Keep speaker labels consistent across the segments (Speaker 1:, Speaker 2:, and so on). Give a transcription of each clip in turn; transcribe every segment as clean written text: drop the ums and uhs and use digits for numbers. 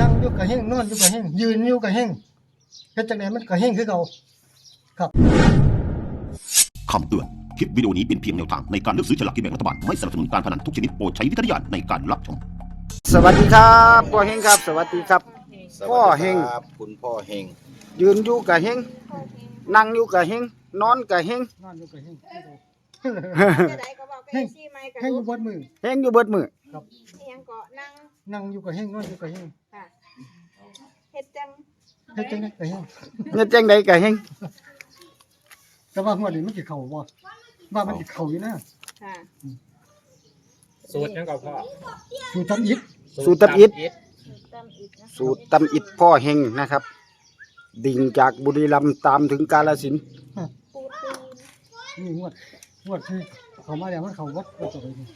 Speaker 1: นั่งอยู่ก็เฮงนอนอยู่ก็เฮงยืนอยู่ก็เฮงเฮ็ดจังได๋มันก็เฮงคือเก่าครับ
Speaker 2: คำเตือน คลิปวิดีโอนี้เป็นเพียงแนวทางในการเลือกซื้อฉลากกินแบ่งรัฐบาล ไม่สนับสนุนการพนันทุกชนิดโปรดใช้วิจารณญาณในการรับชม
Speaker 3: สวัสดีครับพ่อเฮงครับ สวัสดีครับ พ่อเฮง
Speaker 4: ครับคุณพ่อเฮง
Speaker 3: ยืนอยู่กับเฮงนั่งอยู่กับเฮงนอนกับเฮง
Speaker 1: นอนอยู่ก็เฮง
Speaker 5: จะได้ก็บอกไปซี่ไม้กับ
Speaker 1: เฮงอยู่บนมือ
Speaker 3: เฮงอยู่เบิดมือ
Speaker 1: ครับ
Speaker 5: เฮียงเกาะนั่ง
Speaker 1: นั่งอยู่ก็เฮงนอนอยู่ก็เฮง
Speaker 5: ค่ะเฮ็ดจัง
Speaker 1: เฮ็ดจังได๋ก็เฮง
Speaker 3: เงินจังใดกับเฮง
Speaker 1: แต่ว่างวดนี้มันสิเข้าบ่ว่ามันสิเข้าอยู่นะ
Speaker 5: ค่ะ
Speaker 6: สูตรนั่นก็พ่อ
Speaker 1: อยู่ทำอิฐ
Speaker 3: สูตรตับอิด
Speaker 5: ตำอีกนะ
Speaker 3: สูตรตำอิดพ่อเฮงนะครับ ดิ่งจากบุรีรัมย์ตามถึงกาฬสินธุ์
Speaker 5: ปูตีน
Speaker 1: นี่งวดที่เข้ามาแล้วมันเข้าวัดก็จะไปนี่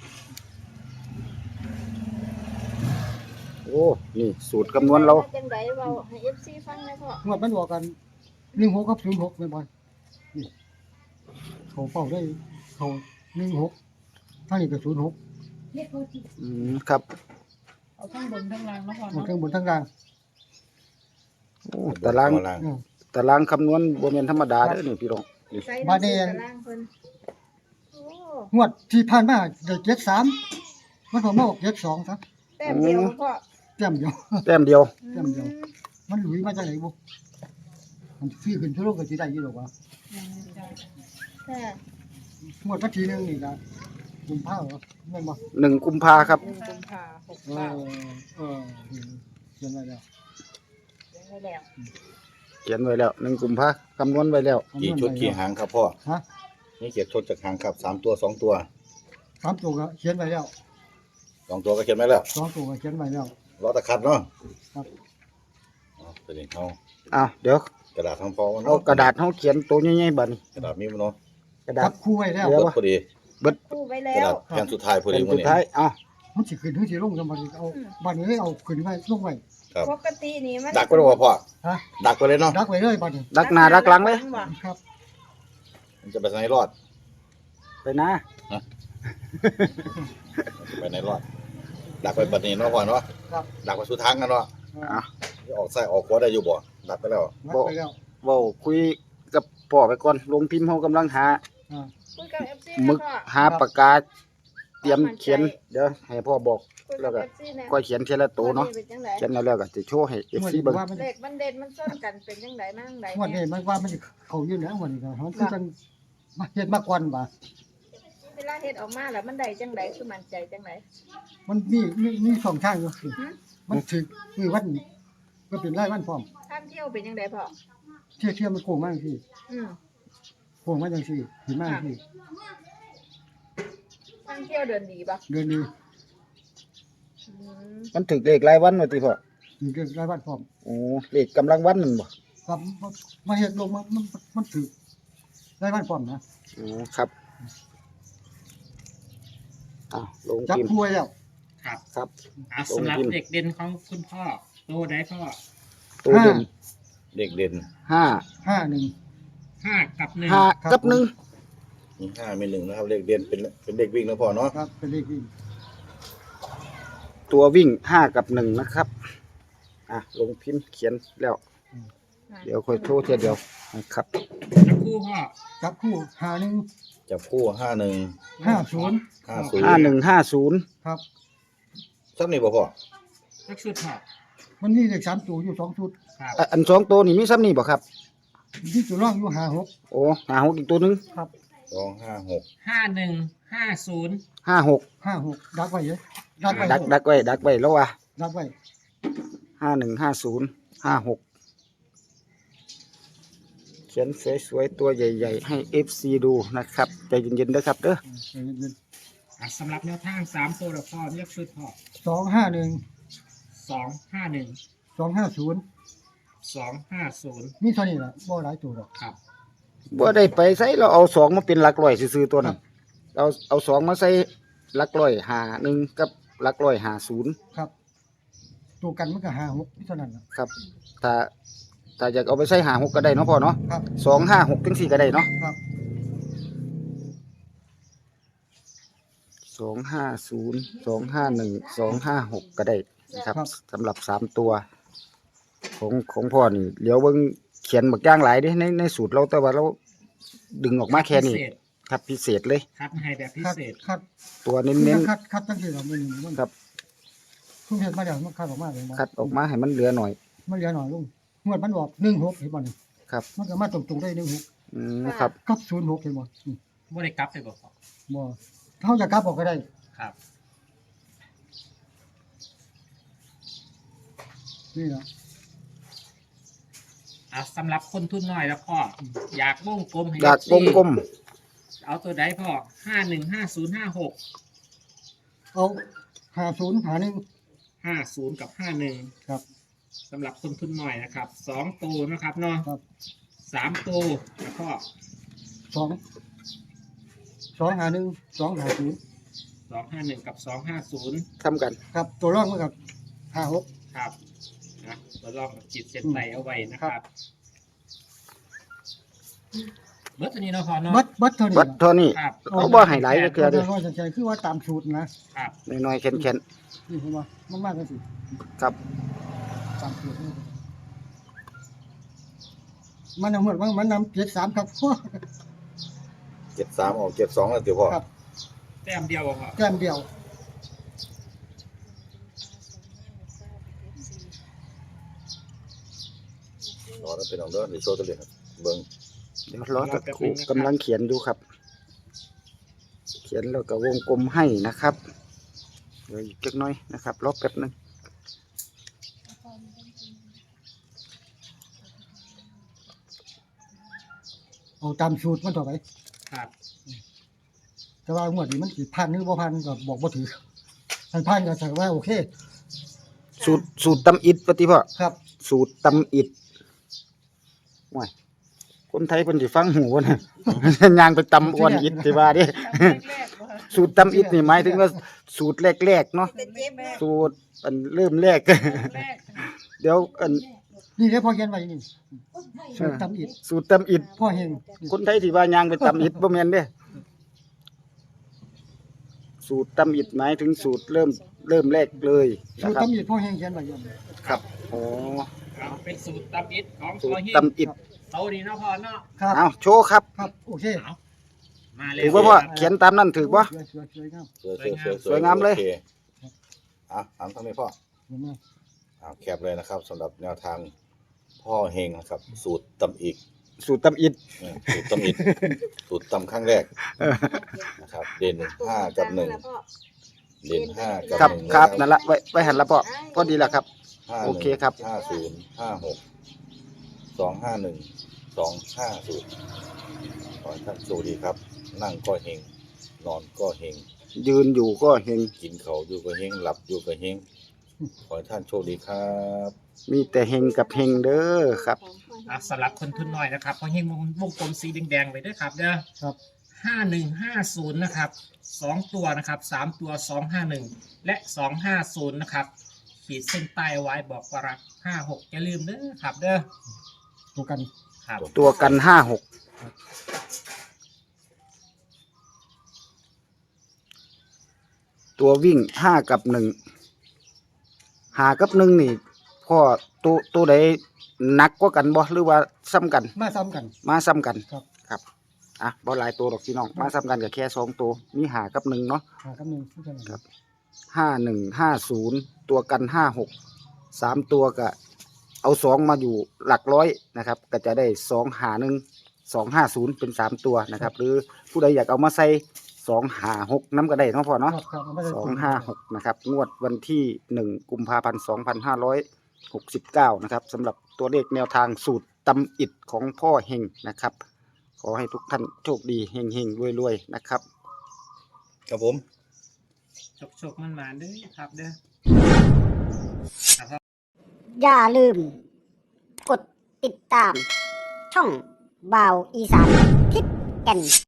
Speaker 3: โอ้นี่สูตรคำนวณเรา
Speaker 5: จังไดเว้าให้ FC ฟังได้พ่อง
Speaker 1: วดมันบอกกัน16กับ06แม่นบ่นี่เขาเป้าได้เขา16ทางนี้ก็06
Speaker 3: ครับ
Speaker 6: เอาทั้งบนทั้งล่างนะพ่อ
Speaker 1: มัน
Speaker 6: เนาะ
Speaker 1: เครื่องบนทางกลาง
Speaker 3: โอ้ตาราง
Speaker 1: อืม
Speaker 3: ตารางคำนวณบ่แม่นธรรมดาเด้อนี่พี่น้องนี่
Speaker 5: ใส่
Speaker 1: บาดนี้
Speaker 5: ตารางเพิ่นโอ้
Speaker 1: งวดที่ผ่านมาได้73มันพอมาออก72ซะ
Speaker 5: แต้มเดียวพ่อ
Speaker 1: แต้มเดียว
Speaker 3: แต้มเดียว
Speaker 1: แต้มเดียว มันหลุยมาจากไหนบุมันซื้อขึ้นทั่วโลกก็สิได้อยู่หรอกวะ
Speaker 5: ค่ะ
Speaker 1: หมดวันที่หนึงนี่ก็กุมภาพันธ์แม่นบ่
Speaker 3: 1 กุมภาครับ
Speaker 5: 1กุมภา
Speaker 1: เออเออเขียนไว้แล้ว
Speaker 5: 69ได้แล้ว
Speaker 3: เขียนไว้แล้ว1 กุมภาคำนวณไว้แล้ว
Speaker 4: กี่ชุดกี่หางครับพ่อ
Speaker 1: ฮะ
Speaker 4: นี่เขียนชุดจากหางครับ3 ตัว 2 ตัว
Speaker 1: 3ตัวก็เขียนไว้แล้ว
Speaker 4: 2 ตัวก็เขียนไว้แล้ว
Speaker 1: 2ตัวก็เขียนไว้แล้ว
Speaker 4: รอตะคัดเนาะ
Speaker 1: ครับ
Speaker 4: เอาไปเลยเอา
Speaker 3: เดี๋ยว
Speaker 4: กระดาษทำฟอง
Speaker 3: เอากระดาษเฮาเขียนตัวใหญ่ๆบัดนี้
Speaker 4: กระดาษมีมั้ยเนาะ
Speaker 3: กระดา
Speaker 1: จั
Speaker 3: ษ
Speaker 1: บคู่ไว้แล้ว
Speaker 3: เดี๋ยว
Speaker 4: เบิดพอดี
Speaker 5: ปูไว้
Speaker 4: ก
Speaker 5: แล้
Speaker 4: ระดาว ษแผ่นสุดท้ายพอ
Speaker 3: เป็
Speaker 4: ดี
Speaker 3: น
Speaker 4: มื้
Speaker 3: สุ
Speaker 4: อ
Speaker 3: ด
Speaker 4: นี้
Speaker 3: ท้าย
Speaker 1: มันสิขึ้นถึงสิลงกันบัดนี้เอาบัดนี้เอาขึ้นไว้ลงไว้
Speaker 4: ครับ
Speaker 5: ปกตินี่มัน
Speaker 4: ดักไว้เลยพ่อ
Speaker 1: ฮะ
Speaker 4: ดักไว้เลยเนาะ
Speaker 1: ดักไว้เลยบัดนี้
Speaker 3: ดักหน้าดักหลังเลย
Speaker 1: ครับ
Speaker 4: มันจะไปไหนรอด
Speaker 3: ไปนะ
Speaker 4: ไปไหนรอด ดักไว้บัดนี้เนาะพ่อเนาะ
Speaker 1: ครับ
Speaker 4: ดักไว้สุดทางกันเนาะ
Speaker 3: อ่ะ
Speaker 4: ออกซ้ายออกขวาได้อยู่บ่ดักไปแล้ว
Speaker 1: ดักไว้แล้ว
Speaker 3: เว้าคุยกับพ่อไปก่อนลงพิมพ์เฮากำลังหา
Speaker 1: อ่า
Speaker 5: คุยกับ FC
Speaker 3: หมึก
Speaker 5: นะพ่อ
Speaker 3: หาปากกาเตรียมเขียนเดี๋ยวให้พ่อบอก
Speaker 5: คุย
Speaker 3: แล้
Speaker 5: กั
Speaker 3: ว
Speaker 5: บ
Speaker 3: ก็
Speaker 5: FC นะ
Speaker 3: ก็เขียนทีละตัวเนาะ
Speaker 5: เป็นจังได
Speaker 3: เขียนแล้วก็จะโชว์ให้ FC เบิ่ง
Speaker 1: ว่ามัน
Speaker 5: เลขมันเด่นมันส้นกันเป็นจังไดมาจังได
Speaker 1: งวดนี้มันว่ามันสิเข้าอยู่แล้วงวดนี้ก็มันคือจังมาเฮ็ดมาก่อนบ่
Speaker 5: เวลาเฮ็ดออกมาแล้วมันได้จังไดคือมั่นใจจังได
Speaker 1: มันมีสองทางอยู่คือมันถึกคือวันก็เป็นรายวันพร้อม
Speaker 5: ท่านเที่ยวเป็นจังไดพ่อ
Speaker 1: เที่ยวมันโกงมากที่
Speaker 5: อืม
Speaker 1: โกงมาจังซี่สิมากที่
Speaker 5: ท่านเที่ยวเดินดีบ่
Speaker 1: เดือนนี้
Speaker 5: อืม
Speaker 3: มันถึกเลขรายวันว่าติพ่อ
Speaker 1: ถึงเดือนรายวันพร้อม
Speaker 3: โอ้เลขกำลังวันนั่นบ่
Speaker 1: ครับมาเฮ็ดลงมันถึกรายวันพร้อมนะ
Speaker 3: โอ้ครับลง
Speaker 1: จับ
Speaker 3: พิมพ์
Speaker 1: คู่ไว้แล้ว
Speaker 6: ครับ
Speaker 3: ครับ
Speaker 6: สำหรับเด็กเด่นของคุณพ่อโตได้พ่อ
Speaker 3: ตัวเด่น
Speaker 4: เด็กเด่น
Speaker 3: 5
Speaker 1: 51
Speaker 6: 5 กับ 1
Speaker 3: 5กับ1
Speaker 4: มี5มี1นะครับเลขเด่นเป็นเด็กวิ่งนะพ่อเนาะ
Speaker 1: ครับเป็นเลขที่
Speaker 3: ตัววิ่ง5กับ1นะครับลงพิมพ์เขียนแล้ว เดี๋ยวค่อยโทรเทียเดียวนะครับ
Speaker 6: จับคู่พ่อ
Speaker 1: จับคู่51
Speaker 4: จับคู่51
Speaker 1: 50
Speaker 4: 50
Speaker 3: 5150
Speaker 1: ครับ
Speaker 4: ซ้ำนี่บ่พ่อ
Speaker 6: จักชุดพ่อ
Speaker 1: มันมีเลข3ตัวอยู่2ชุด
Speaker 6: ครับ
Speaker 3: อัน2ตัวนี่มีซ้ำนี่บ่ครับ
Speaker 1: มีตัวรองอยู่56
Speaker 3: โอ้56อีกตัวหนึง
Speaker 1: ครับ
Speaker 4: 256
Speaker 6: 51 50
Speaker 3: 56
Speaker 1: 56ดักไว้เยอะดักไว้
Speaker 3: ดักไว้แล้วว่ะ
Speaker 1: ดักไว้
Speaker 3: 5150 56เขียนสวยๆตัวใหญ่ๆให้ FC ดูนะครับใจเย็นๆเด้อครับเด้อ
Speaker 1: เย็น
Speaker 6: สำหรับแนวทาง3ตัวแล้วพ่อเรียกชุดพ่อ
Speaker 1: ๆ251
Speaker 6: 251
Speaker 1: 250
Speaker 6: 250
Speaker 1: มีเท่านี้ล่ะบ่หลายตัวหรอก
Speaker 6: ครับ
Speaker 3: บ่ได้ไปใส่เราเอา2มาเป็นหลักร้อยซื่อๆตัวนั้นเอา2มาใส่หลักร้อย51กับหลักร้อย50
Speaker 1: ครับ ตัวกันมันก็56มีเท่านั้นล่ะ
Speaker 3: ครับถ้าอยากเอาไปใส่56ก็ได้เนาะพ่อเนาะ
Speaker 1: ครับ
Speaker 3: 256จังซี่ก็ได้เนาะ
Speaker 1: ครับ
Speaker 3: 250 251 256ก็ได้นะครับ
Speaker 1: ครับ
Speaker 3: สำหรับ3ตัวของพ่อนี่เดี๋ยวเบิ่งเขียนบักอย่างหลายเด้ในสูตรเราแต่ว่าเราดึงออกมาแค่นี้
Speaker 6: พิเศษ
Speaker 3: ครับพิเศษเลย
Speaker 6: คัดให้แบบพิ
Speaker 1: คัด
Speaker 6: เศษ
Speaker 1: คัด
Speaker 3: ตัว
Speaker 1: คือ
Speaker 3: เน้น
Speaker 1: คัดตั้งที่เราไม่มีมัน
Speaker 3: ครับ
Speaker 1: คุณเห็นมาเดี๋ยวมันคัดออกมาเลยบ่
Speaker 3: ๆคัดออกมาให้มันเหลือหน่อย
Speaker 1: มันเหลือหน่อยลุงงวดมันบอก16เห็นบ่นี่
Speaker 3: ครับ
Speaker 1: มันก็มาตรงๆได้16
Speaker 3: ครับ
Speaker 1: กับ06เห็นบ่
Speaker 6: บ่ได้กลับไปบ่พ่อ
Speaker 1: บ่เฮาจะกลับออกก็ได้
Speaker 6: ครับ
Speaker 1: นี่ล่ะ
Speaker 6: สำหรับคนทุนน้อยแล้วพ่ออยากวงกลมให้
Speaker 3: อยากวงกลม
Speaker 6: เอาตัวใดพ่อ515056
Speaker 1: เอา50
Speaker 6: 50กับ51
Speaker 1: ครับ
Speaker 6: สำหรับคนทุนน้อยนะครับ2ตัวนะครับเนาะ
Speaker 1: ครับ
Speaker 6: 3ตัวแล้วก็
Speaker 1: 251 250
Speaker 6: 251กับ250
Speaker 3: ทำกัน
Speaker 1: ครับตัวรองมันกับ56
Speaker 6: ครับนะเราลองจิตเส้นไหลเอาไว้นะครับเบิร์ตตัวนี้เนาะพอเนาะ
Speaker 1: บัดเท่านี้
Speaker 3: วัดเท่านี้
Speaker 6: ครับ
Speaker 3: เอาบ่ให้หลายเทื่อเด้อ
Speaker 1: น้อยๆใจคือว่าตามสูตรนะครับ
Speaker 3: น้อยๆแข็ง
Speaker 1: นี่เห็นบ่มันมากกันสิ
Speaker 3: ๆครับ
Speaker 1: ตามสูตรนี่มันเอาเหมือนว่ามันนำ73ครับ
Speaker 4: 73ออก72แล้วเดี๋ยวพ่อ
Speaker 1: ครับ
Speaker 6: แต้มเดียวอะพ่อ
Speaker 1: แก้มเดียว
Speaker 4: รอแล้วเป็นของเด้อเดี๋ยวโชว์ตัวเลขครับเบิ่ง
Speaker 3: เดี๋ยวรอตะครู่กำลังเขียนอยู่ครับ เขียนแล้วก็วงกลมให้นะครับเดี๋ยวอีกเล็กน้อยนะครับรอแป๊บนึง
Speaker 1: เอาตามสูตรมันต่อไป
Speaker 6: ครับ
Speaker 1: แต่ว่างวดนี้มันสิพันหรือบ่พันก็บอกบ่ถือถ้าพันก็ถือว่าโอเค
Speaker 3: สูตรตำอิดปฏิพ่อ
Speaker 1: ครับ
Speaker 3: สูตรตำอิดว้ายคนไทยเพิ่นสิฟังหูบ่นะ ย่างไปตำอ้วนอิดสิว่าเด้ สูตรตำอิดนี่หมายถึงว่าสูตรแรกๆเนาะสูตรอันเริ่มแรก เดี๋ยวอัน
Speaker 1: นี่เด้พอเขียนไว้นี่สูตรตำอิด
Speaker 3: สูตรตำอิด
Speaker 1: พ่อเฮง
Speaker 3: คนไทยที่ว่าย่างไปตำอิดบ่แม่นเด้สูตรตำอิดหมายถึงสูตรเริ่มแรกเลย
Speaker 1: สู
Speaker 3: นะ
Speaker 1: ตร
Speaker 3: ครับ
Speaker 1: ตำอิดพ่อเฮงเขียนไว้อยู่
Speaker 3: ครับอ๋อ
Speaker 6: เอาเป็นสูตรตำอิดของ
Speaker 3: สู
Speaker 6: ตัว
Speaker 3: ตร
Speaker 6: หิน
Speaker 3: ตำอิด
Speaker 6: โตดีเนาะพ่อเนาะ
Speaker 1: ครับ
Speaker 3: เอาโชว์ครับ
Speaker 1: ครับโอเค
Speaker 6: เอามาเลย
Speaker 3: ถือว่าพ่อเขียนตามนั้นถือบ่
Speaker 1: สวยๆงาม
Speaker 4: สวยๆ
Speaker 3: สวยงามเลย
Speaker 4: โอคถามทางนี้พ่อ
Speaker 1: เห็นไหม
Speaker 4: แคปเลยนะครับสำหรับแนวทางพ่อเฮงนะครับ สูตรตำอีก
Speaker 3: สูตรตำอิด
Speaker 4: สูตรตำอีก สูตรตำครั้งแรกนะครับ เด่น5กับ1เด่น5กับ
Speaker 3: ครับ
Speaker 4: 1
Speaker 3: ครับนั่นละไว้หันละพ่อพอดีละครับ
Speaker 4: 51
Speaker 3: โอเคครับ
Speaker 4: 50 56 251 250ขอให้ท่านโชคดีครับ นั่งก็เฮงนอนก็เฮง
Speaker 3: ยืนอยู่ก็เห็น
Speaker 4: กินเขาวอยู่ก็เฮงหลับอยู่ก็เฮงขอให้ท่านโชคดีครับ
Speaker 3: มีแต่เฮงกับเฮงเด้อครับ
Speaker 6: สำหรับคนทุนน้อยนะครับพอหินวงกลมสีแดงๆไว้ด้วยครับเด้อ
Speaker 1: ครับ
Speaker 6: 5150นะครับ2ตัวนะครับ3ตัว251และ250นะครับขีดเส้นใต้ไว้บอกว่ารัก56อย่าลืมเด้อครับเด้อ
Speaker 1: ตัวกัน
Speaker 6: ครับ
Speaker 3: ตัวกัน56ตัววิ่ง5กับ1 5กับ1นี่พ่อตัวใดหนักกว่ากันบ่หรือว่าซ้ำกัน
Speaker 1: มาซ้ำกัน
Speaker 3: มาซ้ำกัน
Speaker 1: ครับ
Speaker 3: ครับอ่ะบ่หลายตัวหรอกพี่น้องมาซ้ำกันก็แค่2ตัวมี5กับ1เนาะ
Speaker 1: หากับหนึ่งที่กัน
Speaker 3: ครับ 5150ตัวกัน56 3ตัวก็เอา2มาอยู่หลักร้อยนะครับก็จะได้251 250เป็น3ตัวนะครับ หรือผู้ใดอยากเอามาใส่256น้ำก็ได้เนาะพ่อเนาะ
Speaker 1: ครับไม่ได้
Speaker 3: 256นะครับงวดวันที่1กุมภาพันธ์2569นะครับสำหรับตัวเลขแนวทางสูตรตำอิดของพ่อเฮงนะครับ ขอให้ทุกท่านโชคดีเฮงเฮงรวยๆนะครับ
Speaker 4: ครับผม
Speaker 6: โชคมันมาเด้อครับเด้อ
Speaker 7: อย่าลืม กดติดตาม ช่องบ่าวอีสานทิพย์แก่น